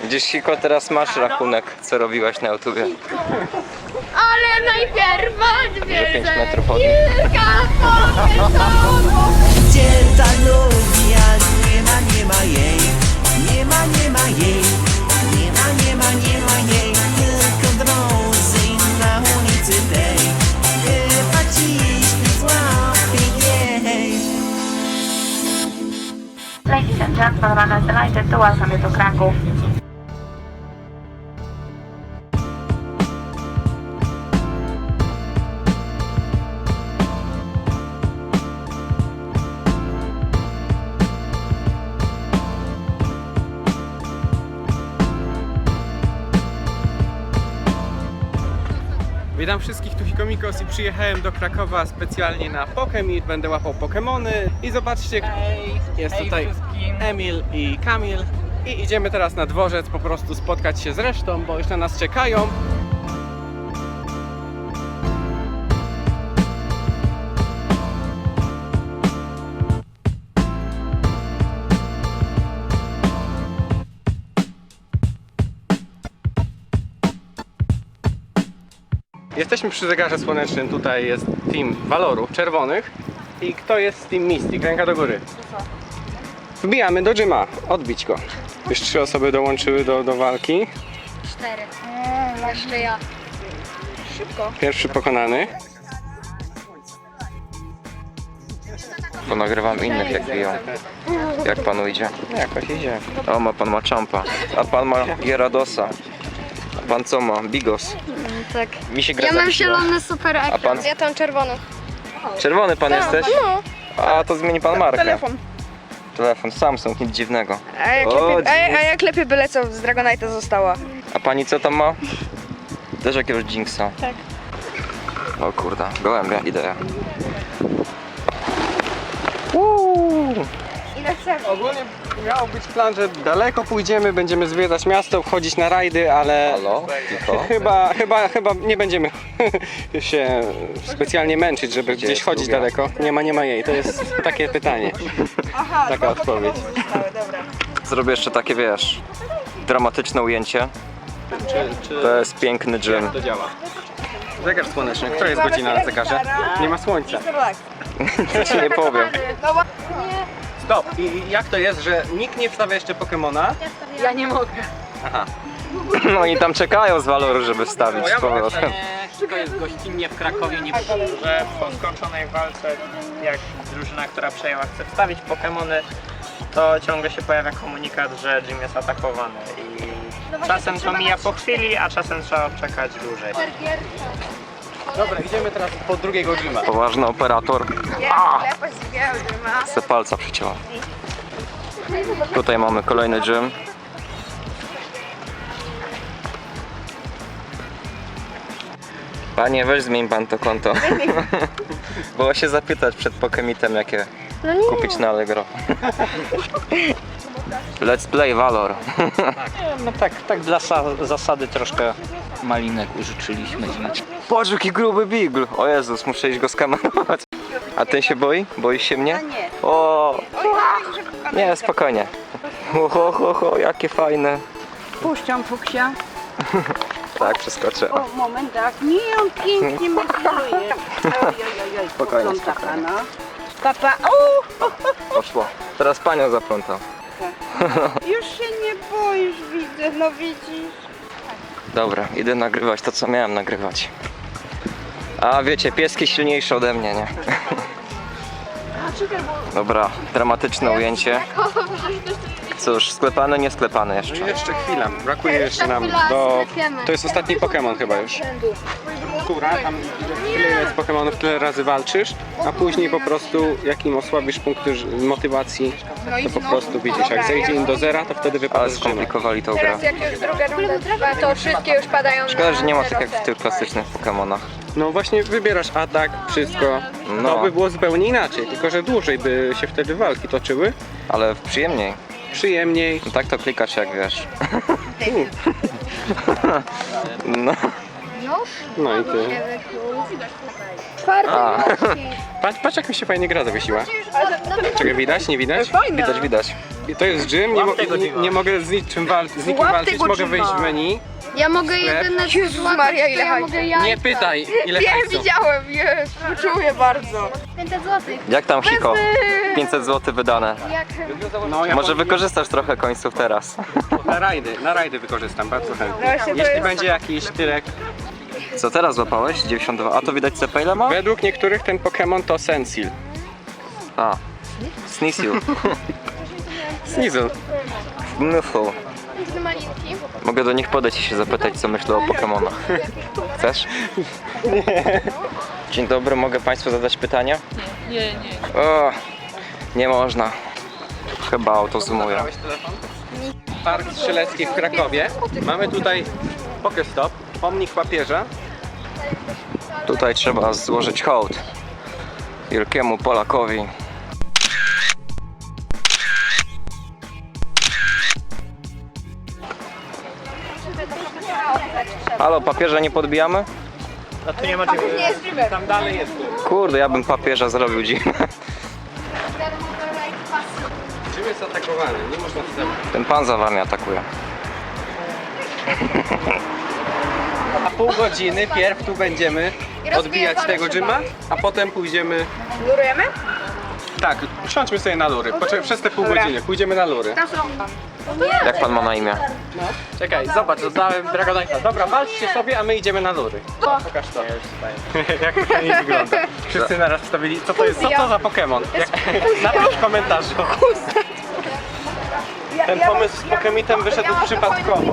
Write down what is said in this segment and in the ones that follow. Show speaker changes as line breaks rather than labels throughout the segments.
Widzisz, Hiko, teraz masz rachunek, co robiłaś na YouTubie.
Ale najpierw odwiedzę
5 metrów od nich.
kilka pomysłów.
Gdzie ta lubię, nie ma jej. Nie ma jej. Nie ma jej. Tylko drodzy na ulicy tej. Chyba dziś nie złapię jej.
Ladies and gentlemen, I'm delighted to welcome you to Kraków.
Witam wszystkich, tu Hikomikos i przyjechałem do Krakowa specjalnie na Pokémeet. Będę łapał Pokémony i zobaczcie, jest tutaj Emil i Kamil i idziemy teraz na dworzec po prostu spotkać się z resztą, bo już na nas czekają. Jesteśmy przy zegarze słonecznym, tutaj jest team Valorów czerwonych. I kto jest z team Mystic? Ręka do góry. Wbijamy do gyma, odbić go. Już 3 osoby dołączyły do walki.
4. Jeszcze ja. Szybko.
Pierwszy pokonany.
Ponagrywam innych, jak biją. Jak panu idzie?
Jakoś idzie.
O, ma pan Machampa, a pan ma Gyaradosa. A pan co ma? Bigos.
Tak.
Mi się gra
Ja mam
zawiesiła.
zielony super ekran.
A pan?
Ja tam czerwony.
Czerwony pan jesteś?
No.
A to zmieni pan markę.
Telefon.
Telefon, Samsung, nic dziwnego.
A jak lepiej byle co z Dragonite'a została?
A pani co tam ma? Też jakiegoś Jinxa.
Tak.
O kurde, gołębia, idę.
Ile chcemy?
Ogólnie miał być plan, że daleko pójdziemy, będziemy zwiedzać miasto, wchodzić na rajdy, ale
Halo? Hiko?
chyba nie będziemy się specjalnie męczyć, żeby gdzieś
jest
chodzić
druga?
daleko. Nie ma jej, to jest takie pytanie.
Aha,
Taka odpowiedź.
dobra.
Zrobię jeszcze takie, wiesz, dramatyczne ujęcie. To jest piękny gym.
To działa. Zegar słoneczny. Która jest godzina na zegarze? Nie ma słońca.
To ci nie powiem.
Stop! I jak to jest, że nikt nie wstawia jeszcze Pokemona?
Ja nie mogę.
Aha.
No i tam czekają z Valoru, żeby wstawić z
mogę
powrotem.
To jest gościnnie w Krakowie, nie że po skończonej walce, jak drużyna, która przejęła, chce wstawić Pokemony, to ciągle się pojawia komunikat, że gym jest atakowany i czasem to mija po chwili, a czasem trzeba czekać dłużej.
Dobra, idziemy teraz po drugiego gyma.
Poważny operator. Se palca przyciąłem. Tutaj mamy kolejny gym. Panie, weź zmień pan to konto. Było się zapytać przed Pokémeetem, jakie kupić na Allegro. Let's play Valor.
No tak dla zasady troszkę malinek użyczyliśmy. Znaczy.
Patrz, jaki gruby Beagle. O Jezus, muszę iść go skamerować. A ten się boi? Boisz się mnie?
nie.
O! Nie, spokojnie. Jakie fajne.
Puszczam Fuksia.
Tak, przeskoczę.
O, moment, tak. Nie, on pięknie metruje.
Spokojnie,
Pana. Papa,
Poszło. Teraz panią zaplątam.
już się nie boisz, widzę, no widzisz.
Dobra, idę nagrywać to, co miałem nagrywać. A wiecie, pieski silniejsze ode mnie, nie? Dobra, dramatyczne ujęcie. Cóż, sklepane, nie sklepane jeszcze.
No jeszcze chwila, brakuje jeszcze nam do... To jest ostatni Pokémon chyba już. Która, tam tyle jest Pokémonów, tyle razy walczysz, a później po prostu jak im osłabisz punkty motywacji, to po prostu widzisz, jak zejdzie im do zera, to wtedy
Ale
wypada z gyma.
skomplikowali tą grę.
Jak już druga runda trwa, to wszystkie już padają
Szkoda, że nie ma
na
tak jak w tych klasycznych Pokémonach.
No właśnie wybierasz atak, wszystko.
No.
To by było zupełnie inaczej, tylko że dłużej by się wtedy walki toczyły,
Ale przyjemniej.
przyjemniej.
No tak to klikasz, jak wiesz. No.
No i ty.
A,
Patrz jak mi się fajnie gra zawiesiła. Czego widać? Nie widać?
widać, widać.
to jest gym, nie,
Łap tego gyma.
nie mogę z nikim walczyć,
tego
mogę
gyma.
wyjść w menu.
Ja mogę jedyne
Jezus Maria, ile
ja
hajsu.
mogę jajka.
Nie pytaj, ile
Wiem,
hajsu.
widziałem, jest, czuję bardzo.
500 zł.
Jak tam, Hiko? 500 zł wydane.
Jak
No, ja
Może wykorzystasz trochę końców teraz.
na rajdy wykorzystam bardzo chętnie.
Właśnie to
Jeśli
jest-
będzie jakiś tyrek.
Co teraz złapałeś? 92. A to widać CP ile ma?
Według niektórych ten Pokémon to Sensil.
A. Sneasel.
Sneasel.
Mnuful.
te malinki?
Mogę do nich podejść i się zapytać, co myślą o Pokemonach. Chcesz? Nie. Dzień dobry, mogę Państwu zadać pytania? Nie. O, nie można. Chyba auto zoomuje.
Park Strzelecki w Krakowie. Mamy tutaj Pokestop, pomnik papieża.
Tutaj trzeba złożyć hołd wielkiemu Polakowi. Halo, papieża nie podbijamy?
A tu nie ma czego.
Tam dalej jest.
Kurde, ja bym papieża zrobił dziwne.
Czym jest atakowany? Nie można wstępu.
Ten pan za wami atakuje.
A pół godziny pierw tu będziemy odbijać tego gyma, a potem pójdziemy...
Lurujemy?
Tak, usiądźmy sobie na lury. Przez te pół godziny pójdziemy na lury.
Jak pan ma na imię?
Czekaj, zobacz, dodałem Dragonite'a. Dobra, walczcie sobie, a my idziemy na lury. Pokaż to. Jak to nie wygląda. Wszyscy naraz wstawili, co to jest, co to za Pokémon? Napisz w komentarzu. Ten pomysł z Pokemitem wyszedł przypadkowo.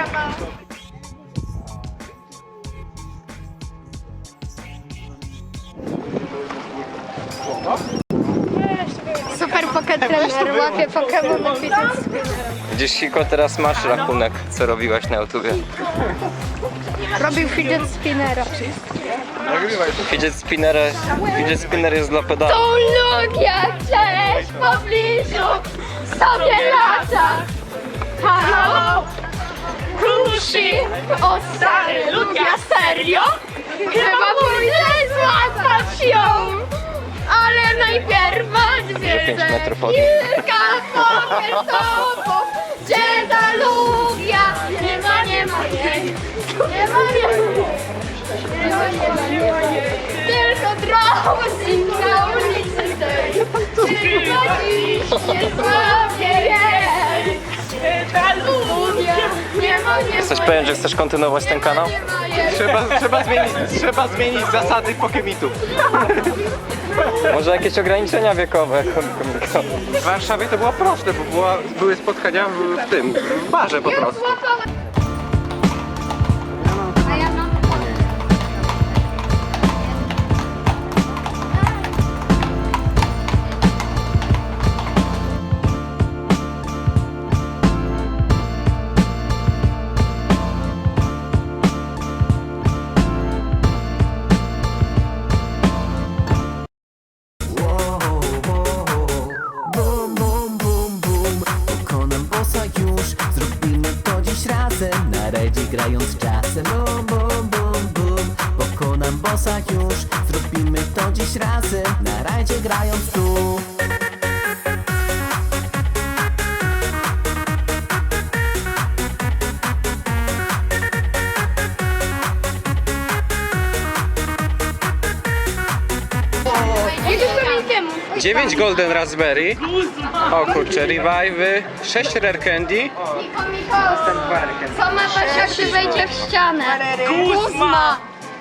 Super Pocket Trainer, łapie Pokémon fidget.
Gdzieś Hiko teraz masz rachunek, co robiłaś na YouTubie.
Robił fidget spinnera.
Fidget spinner jest dla pedału.
To Lugia, cześć, w pobliżu sobie lata. Halo? Kruszy, o stary Lugia, serio? Chyba pójdę złapać ją. Ale najpierw odwiedzę
5 metrów od
kilka poketopów. Gdzie ta Lugia? Nie ma jej. Nie ma jej. Tylko drobny na ulicy tej. Tylko dziś nie złapię jej. Ta Lugia. Nie ma jej.
Jesteś pewien, że chcesz kontynuować ten kanał?
Trzeba zmienić zasady Pokemitów.
Może jakieś ograniczenia wiekowe?
W Warszawie to było proste, bo były spotkania w barze po prostu.
A ja mam.
Bum, bum, bum, bum. Pokonam bossa już. Zrobimy to dziś razem. Na rajdzie grając czasem. Bum, bum, bum, bum. Pokonam bossa już. Zrobimy to dziś razem. Na rajdzie grając tu.
Jedziesz do Milkiemu.
9 Golden Raspberry. O kurczę, Revive'y. 6 Rare Candy.
Miko, co ma paść, jak się wejdzie w ścianę? Guzma!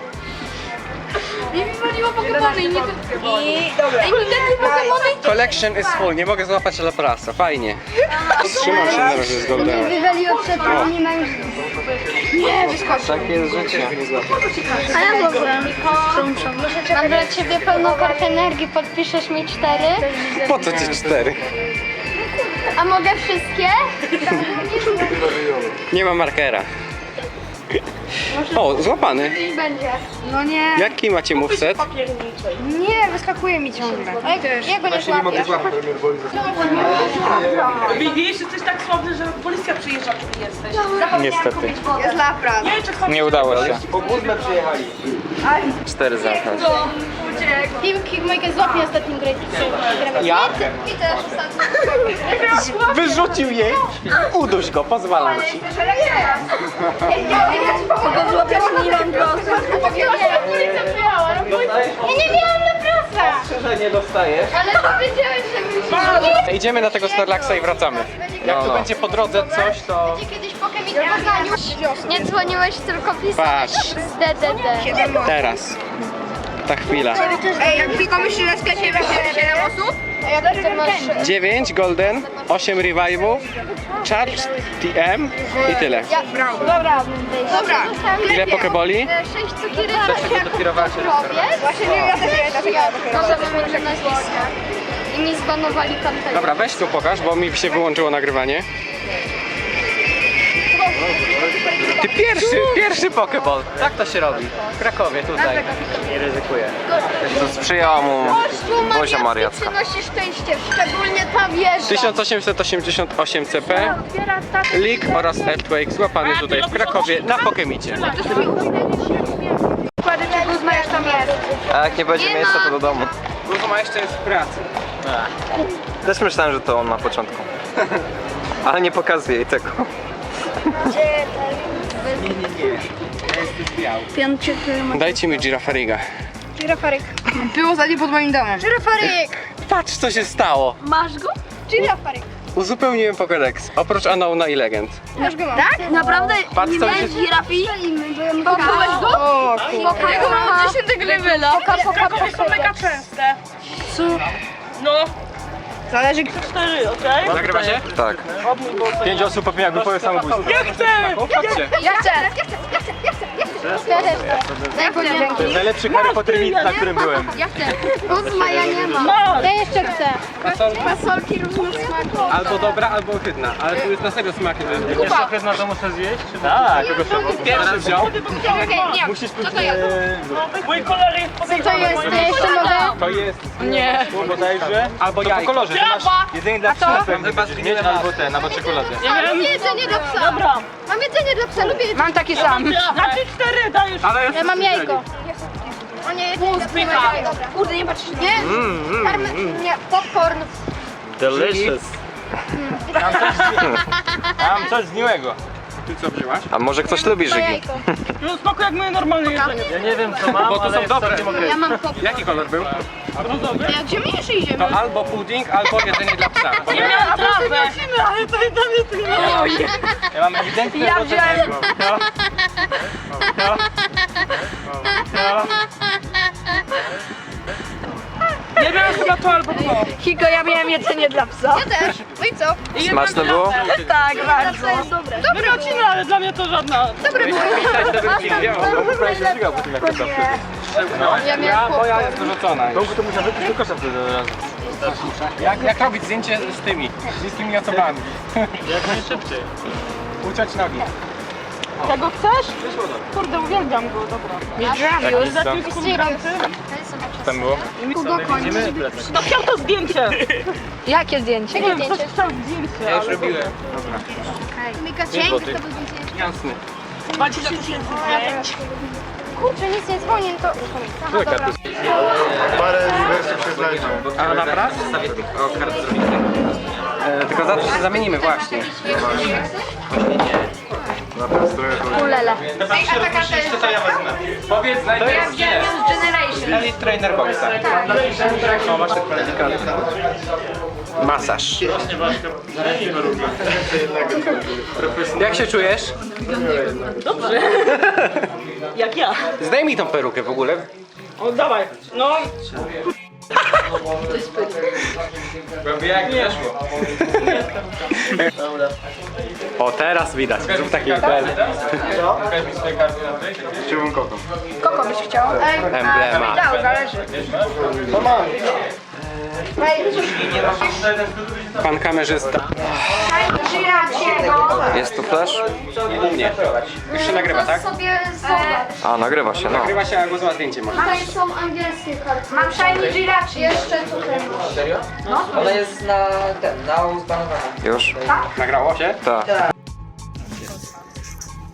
Nie wywaliło Pokemony i nie to... Ej, mi Pokemony
Collection is full, nie mogę złapać Laprasa, fajnie. Trzymam się na razie z Goldenem.
wywaliło przed nami na już... Nie, wyskoczył.
Takie jest życie.
A ja złożyłem. Mam dla ciebie pełną kartę energii, podpiszesz mi 4.
Po co ci 4?
A mogę wszystkie?
Nie ma markera. O, złapany.
I będzie.
No nie.
Jaki macie moveset?
Nie, wyskakuje mi ciągle.
Ja go nie złapię.
Wiesz, jesteś tak sławny, że policja przyjeżdża, kiedy jesteś.
Niestety.
Jest lapras.
Nie, czy
Nie udało się.
Po Guzmę przyjechali.
4 zamknąć.
Piłki Mojkę złapie ostatnim grę.
Ja?
I też ostatnim.
Wyrzucił jej! Uduś go, pozwalam ci.
Ja nie miałam na prosa.
Nie dostajesz.
Ale powiedziałeś, że mi
Idziemy na tego Snorlaxa i wracamy. Jak tu będzie po drodze coś, to...
będzie kiedyś Pokémon w Poznaniu. Nie dzwoniłeś, tylko pisałeś
Patrz.
DDD.
Teraz. Ta chwila.
Ej, jak tylko myślisz, że w sklepie będzie 7 osób?
Ty masz...
9 golden, 8 revive'ów, charge, TM i tyle.
Dobra.
Ile pokeboli?
6 cukierek.
Dopiero walczy
Właśnie nie, ja też nie.
Może wymienię nazwiska. I mi zbanowali tamtego.
Dobra, weź tu pokaż, bo mi się wyłączyło nagrywanie. Ty pierwszy pokeball. Tak to się robi. W Krakowie, tutaj. Nie ryzykuję.
To sprzyjała mu Bozia Mariacka.
Przynosi szczęście, szczególnie ta wieża.
1888 CP, League oraz Earthquake złapany tutaj w Krakowie na Pokemicie.
A jak nie będzie miejsca, to do domu.
Guzma jeszcze jest w pracy.
Też myślałem, że to on na początku. Ale nie pokazuję jej tego.
Dajcie mi Girafariga.
Było za nie pod moim domem.
Patrz co się stało.
Masz go?
Uzupełniłem Pokédex. Oprócz Unknowna i Legend.
Tak? Naprawdę?
Patrz co mi się...
Giraffi? Pokałeś go? O kurwa. Ja go mam 10 levela.
Są mega częste. No.
Zależy
4, okej?
Nagrywa się?
Tak.
5 osób popełnia grupową samobójstwo.
Ja chcę!
Chodźcie.
Ja chcę. Daj go dzięki.
To jest najlepszy Harry Potter mit, na którym byłem.
Ja chcę. Ósma ja nie mam. Ja jeszcze chcę. Fasolki różnych smaków.
Albo dobra, albo ohydna. Ale tu jest na serio smak.
Jeszcze ohydna to muszę zjeść? Czy
Tak, pierwszy wziął.
Okej, nie.
Musisz pójść...
Mój kolor jest
Co to jest? Ja jeszcze mogę?
To jest... Nie. Bodajże. Albo jajko. Po kolorze, to masz jedzenie dla psa. Chyba mieć albo ten, albo czekoladę.
Mam jedzenie dla psa.
Dobra.
Mam jedzenie dla psa, lubię jedzenie.
Mam taki sam.
Znaczy 4 dajesz.
Ja mam jajko. O nie, jedzenie dla psa. Kurde, nie patrzysz. Nie? Nie, popcorn.
Delicious.
Mam coś zniłego. Ty co wzięłaś?
A może ktoś lubi
To
żygi?
jajko.
No spoko jak moje normalne jedzenie.
Ja nie wiem co mam,
Bo to są dobre.
Ja mam popcorn.
Jaki kolor był?
Jak ziemniejszy idziemy.
To albo pudding, albo jedzenie dla psa.
Nie miałam trawę. Ale to dla mnie to nie.
Ja mam ewidentnie
Ja wziąłem.
Nie miałam chyba to albo to.
Hiko, ja miałem jedzenie dla psa.
Ja też. No i co?
Smaczne było?
Tak, bardzo.
To jest dobre.
Wyrociny, ale dla mnie to żadna.
Dobre było. Ja miałam
Moja
popcorn.
jest wyrzucona. To musiał wypić do kosza wtedy od razu. Jak robić zdjęcie z tymi bliskimi osobami?
Jak najszybciej.
Uciąć nogi.
Tego chcesz? Kurde, uwielbiam go, dobra.
Tam było?
No chciał to zdjęcie.
Jakie zdjęcie?
Nie wiem, ktoś chciał zdjęcie,
Ja już
ale...
robiłem.
Mika, dzięki, to był zdjęcie.
Jasny.
20 000 zdjęć.
Kurczę, nic nie dzwonię, to... Aha, dobra.
A naprawdę? O, kartę zrobimy. Tylko za to się zamienimy właśnie.
Ulele.
Co ja wezmę? Powiedz najpierw Elite Trainer Boxa. O, masz tak kwalifikację. Masaż. Jak się czujesz?
Dobrze. Jak ja.
Zdejmij tą perukę w ogóle.
O, dawaj. No.
Jak weszło. O, teraz widać. Zrób taki bel.
Koko byś chciał?
Emblema.
Dał, zależy.
Pan kamerzysta.
Jest tu flash?
U mnie. Już się nagrywa, tak?
Sobie zobacz.
A, nagrywa się, no.
Nagrywa się, a głos ma zdjęcie może.
Tutaj są angielskie karty.
Mam shiny Jirachi.
Jeszcze tutaj masz.
Ona jest na uzbanowanie.
Już?
Nagrało się?
Tak.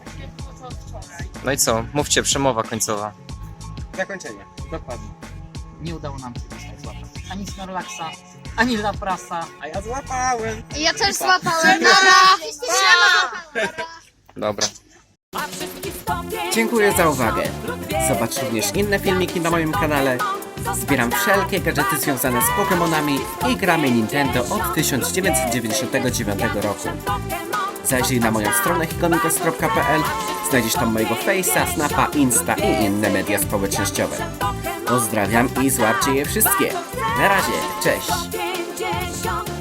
No i co? Mówcie, przemowa końcowa.
Zakończenie. Dokładnie.
nie udało nam się dzisiaj złapać ani Snorlaxa, ani Laprasa, a ja złapałem.
Ja też złapałem. Nara!
Dobra.
Dziękuję za uwagę. Zobacz również inne filmiki na moim kanale. Zbieram wszelkie gadżety związane z Pokémonami i gramy Nintendo od 1999 roku. Zajrzyj na moją stronę hikomikos.pl. Znajdziesz tam mojego Face'a, Snapa, Insta i inne media społecznościowe. Pozdrawiam i złapcie je wszystkie. Na razie, cześć!